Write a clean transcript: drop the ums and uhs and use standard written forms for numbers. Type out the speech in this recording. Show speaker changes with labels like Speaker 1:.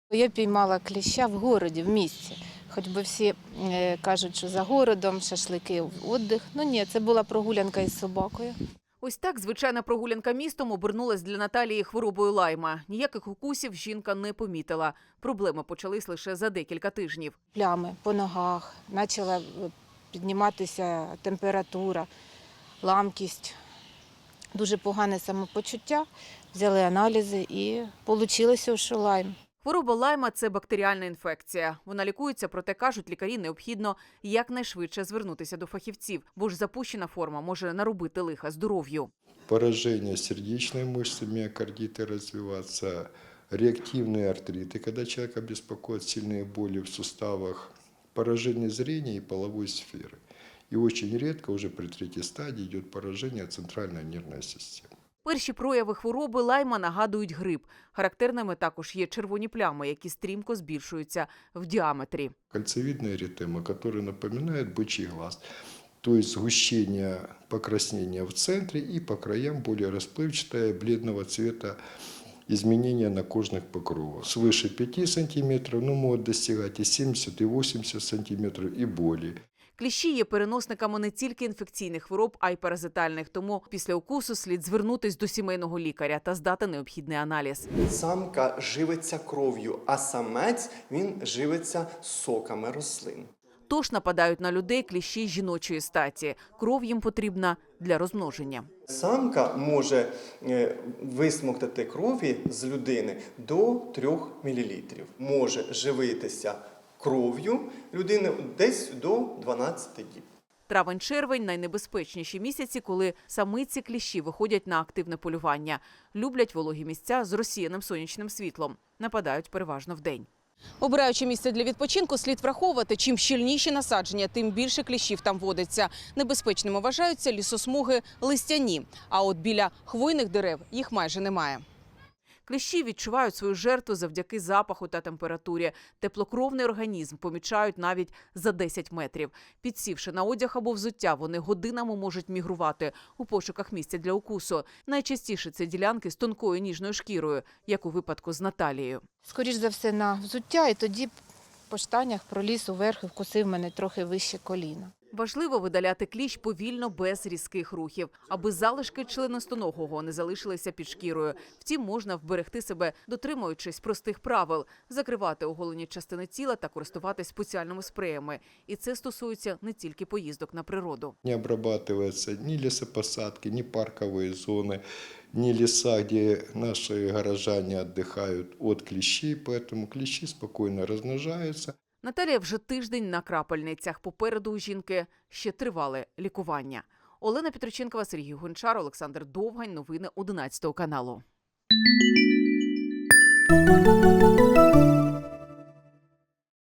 Speaker 1: Я піймала кліща в городі, в місті. Хоч би всі кажуть, що за городом, шашлики, відпочинок. Ну ні, це була прогулянка із собакою.
Speaker 2: Ось так звичайна прогулянка містом обернулась для Наталії хворобою лайма. Ніяких укусів жінка не помітила. Проблеми почались лише за декілька тижнів.
Speaker 1: Плями по ногах, почала підніматися температура, ламкість, дуже погане самопочуття. Взяли аналізи і вийшло, що лайм.
Speaker 2: Хвороба лайма – це бактеріальна інфекція. Вона лікується, проте, кажуть лікарі, необхідно якнайшвидше звернутися до фахівців, бо ж запущена форма може наробити лиха здоров'ю.
Speaker 3: Поражение сердечной мышцы, миокардиты развиваться, реактивные артриты, когда человека беспокоят сильные боли в суставах, поражение зрения и половой сферы. И очень редко, уже при третьей стадии, идет поражение центральной нервной системы.
Speaker 2: Перші прояви хвороби лайма нагадують грип. Характерними також є червоні плями, які стрімко збільшуються в діаметрі.
Speaker 3: Кольцевидная эритема, которая напоминает бычий глаз. То есть сгущение покраснения в центре и по краям более расплывчатое бледного цвета изменения на кожных покровах. Свыше 5 см, но могут достигать и 70, и 80 см и более.
Speaker 2: Кліщі є переносниками не тільки інфекційних хвороб, а й паразитальних. Тому після укусу слід звернутись до сімейного лікаря та здати необхідний аналіз.
Speaker 4: Самка живиться кров'ю, а самець він живиться соками рослин.
Speaker 2: Тож нападають на людей кліщі жіночої статі. Кров їм потрібна для розмноження.
Speaker 4: Самка може висмоктати крові з людини до 3 мл. Може живитися кров'ю людини десь до 12 діб.
Speaker 2: Травень-червень – найнебезпечніші місяці, коли самиці кліщі виходять на активне полювання. Люблять вологі місця з розсіяним сонячним світлом. Нападають переважно вдень. Обираючи місце для відпочинку, слід враховувати, чим щільніші насадження, тим більше кліщів там водиться. Небезпечними вважаються лісосмуги листяні, а от біля хвойних дерев їх майже немає. Кліщі відчувають свою жертву завдяки запаху та температурі. Теплокровний організм помічають навіть за 10 метрів. Підсівши на одяг або взуття, вони годинами можуть мігрувати у пошуках місця для укусу. Найчастіше це ділянки з тонкою ніжною шкірою, як у випадку з Наталією.
Speaker 1: Скоріш за все на взуття, і тоді по штанях проліз уверх і вкусив мене трохи вище коліна.
Speaker 2: Важливо видаляти кліщ повільно, без різких рухів, аби залишки членистоногого не залишилися під шкірою. Втім, можна вберегти себе, дотримуючись простих правил – закривати оголені частини тіла та користуватись спеціальними спреями. І це стосується не тільки поїздок на природу.
Speaker 3: Не обрабатываются ни лесопосадки, ни парковые зоны, ни леса, где наши горожане отдыхают от клещей, поэтому клещи спокойно размножаются.
Speaker 2: Наталія вже тиждень на крапельницях. Попереду у жінки ще тривале лікування. Олена Петриченкова, Сергій Гончар, Олександр Довгань. Новини 11 каналу.